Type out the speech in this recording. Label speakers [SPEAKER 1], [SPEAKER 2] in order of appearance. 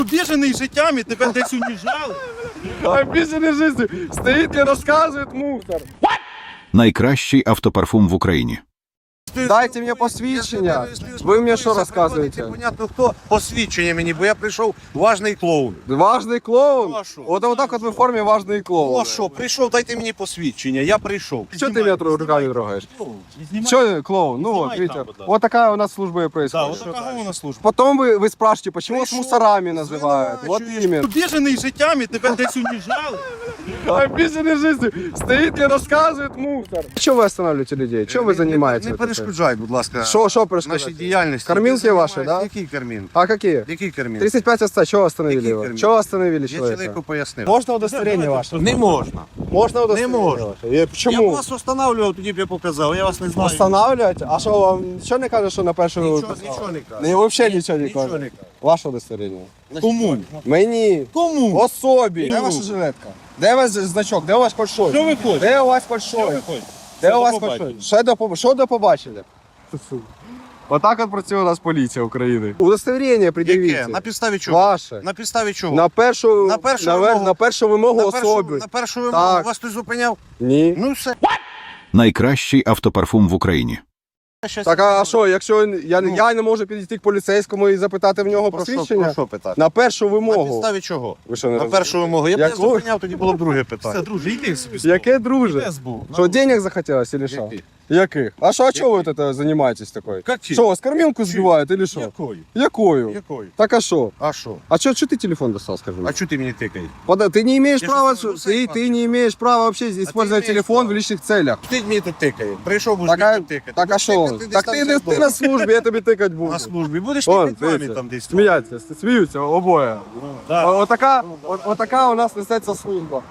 [SPEAKER 1] Обіжений життями, тебе десь уніжали.
[SPEAKER 2] Обіжений життю. Стоїть і розказує мусор.
[SPEAKER 3] Найкращий автопарфум в Україні.
[SPEAKER 2] Дайте мені посвідчення. Ви мені що розказуєте?
[SPEAKER 1] Непонятно хто. Посвідчення мені, бо я прийшов важний клоун.
[SPEAKER 2] Важний клоун?
[SPEAKER 1] Ну, а що?
[SPEAKER 2] Отак от ви в формі важний
[SPEAKER 1] Ну
[SPEAKER 2] клоун.
[SPEAKER 1] а що, прийшов, дайте мені посвідчення, я прийшов.
[SPEAKER 2] Що ти мене руками трогаєш? Що клоун? Ну вот,
[SPEAKER 1] Знімай
[SPEAKER 2] видите,
[SPEAKER 1] там, будь ласка.
[SPEAKER 2] вот такая у нас служба и
[SPEAKER 1] Да,
[SPEAKER 2] происходит.
[SPEAKER 1] вот такая у нас служба.
[SPEAKER 2] Потом вы спрашиваете, почему вас
[SPEAKER 1] Прийшов,
[SPEAKER 2] мусорами называют? Вот
[SPEAKER 1] звинувачуєш.
[SPEAKER 2] именно.
[SPEAKER 1] Обіжений життями, тебе десь уніжали.
[SPEAKER 2] Обиженный жизнью. Стоит и рассказывает мусор. Чего вы останавливаете людей? Чем вы занимаетесь?
[SPEAKER 1] Не перешкоджай, будь ласка,
[SPEAKER 2] Что
[SPEAKER 1] нашій
[SPEAKER 2] перешкодите?
[SPEAKER 1] діяльності.
[SPEAKER 2] Кормілки
[SPEAKER 1] Ти
[SPEAKER 2] ваші,
[SPEAKER 1] займаєшся-
[SPEAKER 2] да?
[SPEAKER 1] Які кормілки?
[SPEAKER 2] А какие?
[SPEAKER 1] Які кормілки?
[SPEAKER 2] 35 отца, чего остановили
[SPEAKER 1] Какие
[SPEAKER 2] его?
[SPEAKER 1] кормилки?
[SPEAKER 2] Чего остановили
[SPEAKER 1] Я
[SPEAKER 2] человека?
[SPEAKER 1] чоловіку пояснив.
[SPEAKER 2] Можно удостоверение ваше?
[SPEAKER 1] Не можна.
[SPEAKER 2] Можно удостоверение
[SPEAKER 1] можна.
[SPEAKER 2] ваше?
[SPEAKER 1] Я б
[SPEAKER 2] Почему?
[SPEAKER 1] вас встановлював, тоді б я показав, я вас не знаю.
[SPEAKER 2] Останавливать? А что вам ничего не кажет, что на першому
[SPEAKER 1] Нічого не кажу.
[SPEAKER 2] Не, вообще ничего не
[SPEAKER 1] Нічого
[SPEAKER 2] кажет.
[SPEAKER 1] не кажу.
[SPEAKER 2] Ваше удостоверение.
[SPEAKER 1] Кому?
[SPEAKER 2] Мені.
[SPEAKER 1] Кому?
[SPEAKER 2] Особі. Де
[SPEAKER 1] Кому?
[SPEAKER 2] ваша жилетка? Де у вас значок? Де у вас хоч щось?
[SPEAKER 1] Що ви хочете?
[SPEAKER 2] Де у вас хоч щось?
[SPEAKER 1] хочете?
[SPEAKER 2] Де у вас хоч щось? Що до побачили? Отак от працює у нас поліція України. Удостоверення пред'явіть.
[SPEAKER 1] Яке? На підставі чого?
[SPEAKER 2] Ваше.
[SPEAKER 1] На підставі чого?
[SPEAKER 2] На першу,
[SPEAKER 1] На першу вимогу.
[SPEAKER 2] на першу вимогу особи.
[SPEAKER 1] На першу вимогу
[SPEAKER 2] Так.
[SPEAKER 1] вас хтось зупиняв?
[SPEAKER 2] Ні.
[SPEAKER 1] Ну все.
[SPEAKER 3] Найкращий автопарфум в Україні.
[SPEAKER 2] Так, а що, якщо я не можу підійти к поліцейському і запитати в нього
[SPEAKER 1] Про
[SPEAKER 2] посвідчення?
[SPEAKER 1] що питати?
[SPEAKER 2] На першу
[SPEAKER 1] На
[SPEAKER 2] вимогу.
[SPEAKER 1] підставі чого?
[SPEAKER 2] Ви що, не
[SPEAKER 1] На
[SPEAKER 2] розумієте?
[SPEAKER 1] першу вимогу. Я б не
[SPEAKER 2] Яку?
[SPEAKER 1] зупиняв, тоді було б друге питання.
[SPEAKER 4] Все, друже, йди собі.
[SPEAKER 2] Яке, друже?
[SPEAKER 4] Де збув?
[SPEAKER 2] Що, денег захотелось или що?
[SPEAKER 1] Яких?
[SPEAKER 2] Яких? А що, а чого ви тут займаєтесь такою?
[SPEAKER 1] Каких?
[SPEAKER 2] Що, вас кормілку збивають или що?
[SPEAKER 4] Якою?
[SPEAKER 2] Якою?
[SPEAKER 1] Якою?
[SPEAKER 2] Так а що?
[SPEAKER 1] А що?
[SPEAKER 2] А что ты телефон достал, скажи мне?
[SPEAKER 1] А чого ти мені тикаєш?
[SPEAKER 2] Ты не имеешь
[SPEAKER 1] Я
[SPEAKER 2] права,
[SPEAKER 1] что, гусей
[SPEAKER 2] ты не имеешь права вообще использовать
[SPEAKER 1] имеешь
[SPEAKER 2] телефон
[SPEAKER 1] право.
[SPEAKER 2] в личных целях.
[SPEAKER 1] Ти мені тут тикаєш. Прийшов, будеш
[SPEAKER 2] Так,
[SPEAKER 1] мені
[SPEAKER 2] а,
[SPEAKER 1] тут тикати.
[SPEAKER 2] так а
[SPEAKER 1] Будеш
[SPEAKER 2] що?
[SPEAKER 1] тикати,
[SPEAKER 2] Так
[SPEAKER 1] десь
[SPEAKER 2] ти,
[SPEAKER 1] там
[SPEAKER 2] ти на службі, я тобі тикать буду.
[SPEAKER 1] На службі. Будеш
[SPEAKER 2] Вон,
[SPEAKER 1] тикати мамі
[SPEAKER 2] дивіться,
[SPEAKER 1] там десь.
[SPEAKER 2] сміються обоє.
[SPEAKER 1] Да.
[SPEAKER 2] Отака у нас несеться служба.